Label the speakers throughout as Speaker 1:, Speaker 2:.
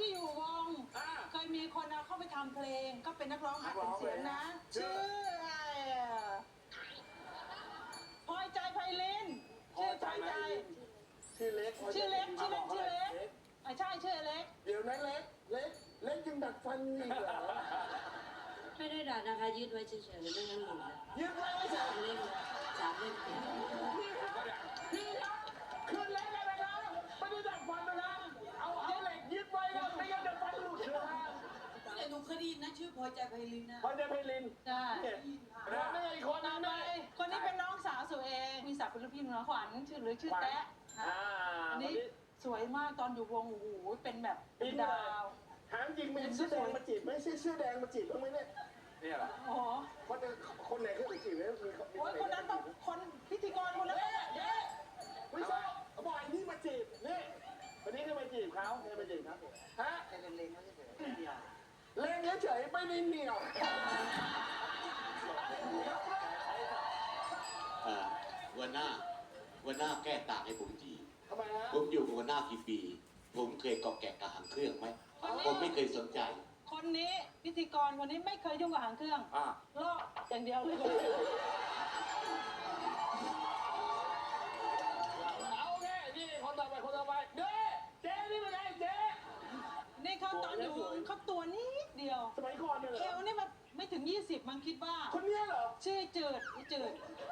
Speaker 1: ที่อยู่วงเคยมีคนเอาเข้าไปทำเพลงก็เป็นนักร้องหัดเป็นเสียงนะชื่ออะไรพลอยใจไพลินชื่อพลอยใจ
Speaker 2: ชื่อเล็ก
Speaker 1: ใช่ชื่อเล็กเล็ก
Speaker 2: เดี๋ยวนั้นเล็กยังดัดฟันอีกเหรอ
Speaker 3: ไม่ได้ดัดนะคะยืดไว้เฉยๆไม่งั้นหมุนเลย
Speaker 2: ยืดไว้ไม่ใช่
Speaker 3: 3 เล่ม
Speaker 2: พี่ครับคือเล็กอะไรนะไม่ได้ดัดฟันนะเอาเหล็กยืดไว้นะไม่งั้นเดี๋ยวฟันหลุดเลยนะ
Speaker 3: แต่หนูเคยได้ยินนะชื่อพลอยใจไพลินนะ
Speaker 2: พลอยใจไพลิน
Speaker 1: ใช่
Speaker 2: แล้วนี่อีกคนนึง
Speaker 1: คนนี้เป็นน้องสาวสุเองมีศักดิ์เป็นลูกพี่น้องขวัญชื่อหรือชื่อแต๊ะอันนี้สวยมากตอนอยู่วงโอ้โหเป็นแบบดาว
Speaker 2: ถามจริงมีเสื้อแดงมาจีบไม่ใช่เสื้อแดงมาจีบบ้างไหมเนี่ยนี่แหละ
Speaker 1: โอ้
Speaker 2: คนไหนขึ้นไปจีบเนี่ยมี
Speaker 1: คนนั้นต้องคนพิธีกรคนนั้น
Speaker 2: ไม่ใช่บอกไอ้นี่มาจีบนี่วันนี้ก็มาจีบเขาใครมาจีบครับฮะเล่นเขาเฉยเล่นเฉยไม่ได้เหนียว
Speaker 4: วันหน้าแก้ต่างให้ผมที
Speaker 2: ทำไมฮะ
Speaker 4: ผมอยู่กับวันหน้ากี่ปีผมเคยเกาะแกะกับหางเครื่องไหมผมไม่เคยสนใจ
Speaker 1: คนนี้พิธีกรคนนี้ไม่เคยยุ่งกับหางเครื่องลอกอย่างเดียวเลย
Speaker 2: เอาแค่นี่คนต่อไปเจ๊นี่เป็นไงเจ๊
Speaker 1: นี่เขาตอนอยู่เขาตัวนิดเดียว
Speaker 2: สมัยก่อนเนี่ยเหรอ
Speaker 1: เอวนี่มันไม่ถึง20มันคิดว่า
Speaker 2: คนนี้เหรอ
Speaker 1: ชื่อจืด
Speaker 2: ชื่อ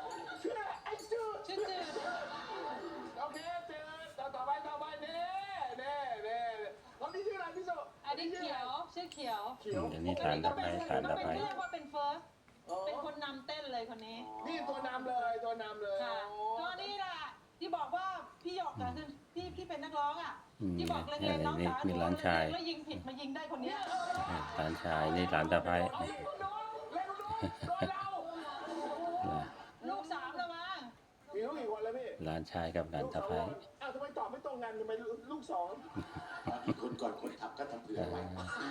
Speaker 2: จืดโอเคจืดต่อไปนี่คนนี้ชื่ออะไรพี่โซ
Speaker 1: อันนี้เขียวชื่อเขียว
Speaker 5: อันนี้ฐานตะไคร้ฐานตะไคร้
Speaker 1: เรียกว่าเป็นเฟิร์สเป็นคนนำเต้นเลยคนนี้
Speaker 2: นี่ตัวนำเลย
Speaker 1: ค่ะก็นี่แหละที่บอกว่าพี่หยอกกันพี่เป็นนักร้องอ่ะที่บอกเล่นๆน้องสาวหนูแล้วยิงผิดมายิงได้คนนี้
Speaker 5: หลานชายนี่หลานตะไคร้
Speaker 1: ลูก3แล้วมั้ง
Speaker 2: มีลูกกี่คนแล้วพี่
Speaker 5: หลานชายกับหลานตะไคร้
Speaker 2: อ้าวทำไมตอบไม่ตรงกันทำไมลูก2
Speaker 4: อีกคนก่อนคนทำก็ทำเผื่อไว้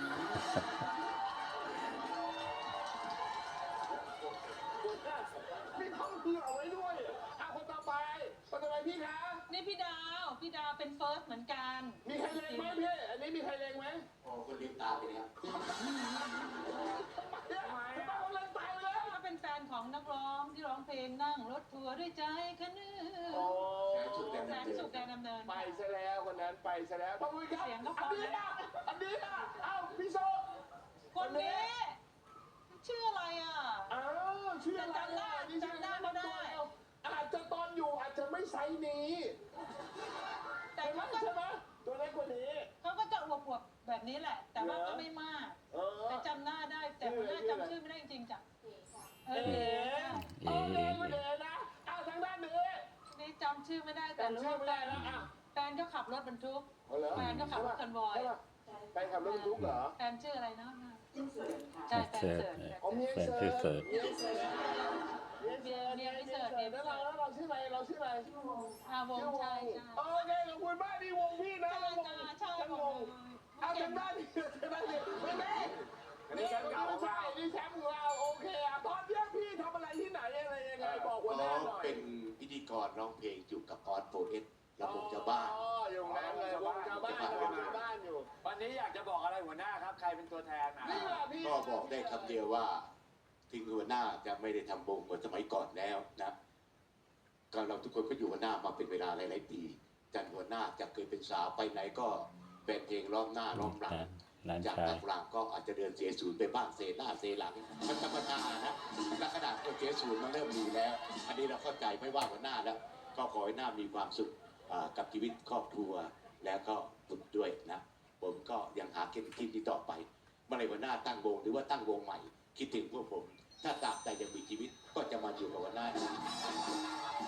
Speaker 2: มีห้องเผื่อไว้ด้วยคนต่อไปพี่คะ
Speaker 1: นี่พี่ดาวเป็นเฟิร์สเหมือนกัน
Speaker 2: มีใครเล็งไหมพี่อันนี้มีใครเล็งไหม
Speaker 4: โอ้คนลืมตาไปแล้ว
Speaker 2: ทำไมเขาเล็งตายเลย
Speaker 1: เขาเป็นแฟนของนักร้องที่ร้องเพลงนั่งรถทัวร์ด้วยใจคันนึงแสนสุขแดนดำเนิน
Speaker 2: ไปซะแล้วคนนั้นไปซะแล้วพ่อมุ้ยครับอันนี้เอ้าพี่โซ
Speaker 1: คนนี้ชื่ออะไรอ่ะ
Speaker 2: ชื่ออะไร
Speaker 1: จำได้เขาได้
Speaker 2: อาจจะตอนอยู่อาจจะไม่ไซส์นี้
Speaker 1: แต่เขาก็
Speaker 2: ใช่ไหมตัวเล็กกว่านี้
Speaker 1: เขาก็จะอวบๆแบบนี้แหละแต่ว่าก็ไม่มากแต่จำหน้าได้แต่คนหน้าจำชื่อไม่ได้จริงๆจ้ะ
Speaker 2: เอ๋ไม่เอ๋นะทางด้าน
Speaker 1: นี่จำชื่อไม่ได้แต่รู้ว่าแฟนก็ขับรถบรรทุกแฟนก็ขับรถคอนวอย
Speaker 2: ไปขับรถบรรทุกเหรอ
Speaker 1: แฟนชื่ออะไรนะ
Speaker 5: ใช่แฟนชื่อเสิร์ฟ
Speaker 1: เมียไม่เสิร์ฟ
Speaker 2: แล้วเราชื่ออะไรวงใช่
Speaker 1: โอเค
Speaker 2: ขอบคุณมากที่วงพี่นะวงเอาทางด้านนี้นี่แชมป์ของเราโอเคตอนนี้พี่ทำอะไรที่ไหนอะไรยังไงบอกวันนี้หน่อย
Speaker 4: เป็นพิธีกรร้องเพลงอยู่กับออสโฟเอสระบบชาวบ้าน
Speaker 2: อยู่นั้นเลยวงชาวบ้านอยู่
Speaker 6: วันนี้อยากจะบอกอะไรหัวหน้าครับใครเป็นตัวแทน
Speaker 4: ก็บอกได้คำเดียวว่าถึงหัวหน้าจะไม่ได้ทำวงเหมือนสมัยก่อนแล้วนะก็เราทุกคนก็อยู่หัวหน้ามาเป็นเวลาหลายๆปีจากหัวหน้าจะเคยเป็นสาวไปไหนก็เป็นเพลงร้องหน้าร้องหลังจากนักหลังก็อาจจะเดินเสียศูนย์ไปบ้างเซหน้าเซหลังมันธรรมดานะและขนาดตัวเสียศูนย์มันเริ่มดีแล้วอันนี้เราเข้าใจไม่ว่าหัวหน้าแล้วก็ขอให้หน้ามีความสุขกับชีวิตครอบครัวแล้วก็บุตรด้วยนะผมก็ยังหาเก็บทีมที่ต่อไปเมื่อไรหัวหน้าตั้งวงหรือว่าตั้งวงใหม่คิดถึงพวกผมถ้าตราบใดยังมีชีวิตก็จะมาอยู่กับหัวหน้า